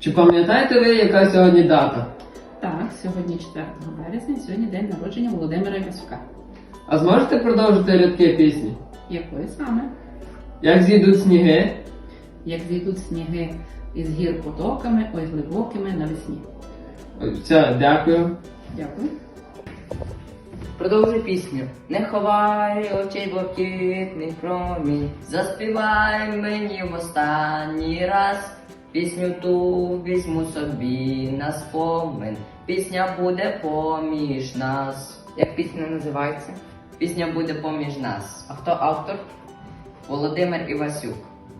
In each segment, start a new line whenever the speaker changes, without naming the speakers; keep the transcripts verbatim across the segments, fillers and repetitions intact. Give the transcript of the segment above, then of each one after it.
Чи пам'ятаєте ви, яка сьогодні дата?
Так, сьогодні четвертого березня, сьогодні день народження Володимира Івасюка.
А зможете продовжити рядки пісні?
Якої саме?
Як зійдуть сніги?
Як зійдуть сніги із гір потоками, ой глибокими навесні.
Ой, Все, дякую.
Дякую.
Продовжуй пісню. Не ховай очей блакитний промінь, заспівай мені в останній раз. Пісню ту візьму собі на спомин, пісня буде поміж нас. Як пісня називається? Пісня буде поміж нас. А хто автор? Володимир Івасюк.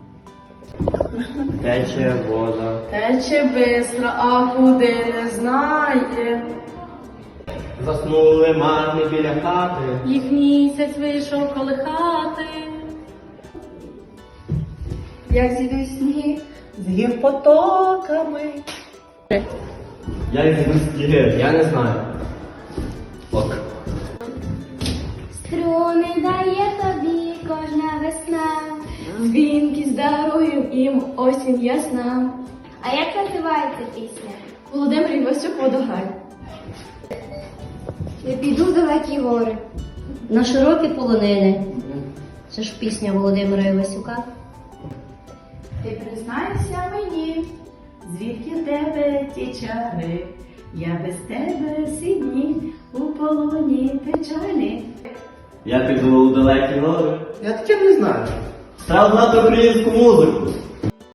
Тече вода.
Тече бистро, а куди не знає.
Заснули марни біля хати.
Їх місяць вийшов колихати. Як зійдуть сніги з гір потоками.
Я йду сніги, я не знаю. Ок.
Струни дає тобі кожна весна,
Дзвінкість дарую їм осінь ясна.
а як називається пісня?
Володимир Івасюк «Водограй».
Я піду в далекі гори.
На широкі полонини. Це ж пісня Володимира Івасюка.
Ти признайся мені, звідки в тебе ті чари, я без тебе всі дні у полоні печалі.
Я піду у далекі гори.
Я таке не знаю.
Треба знати українську музику.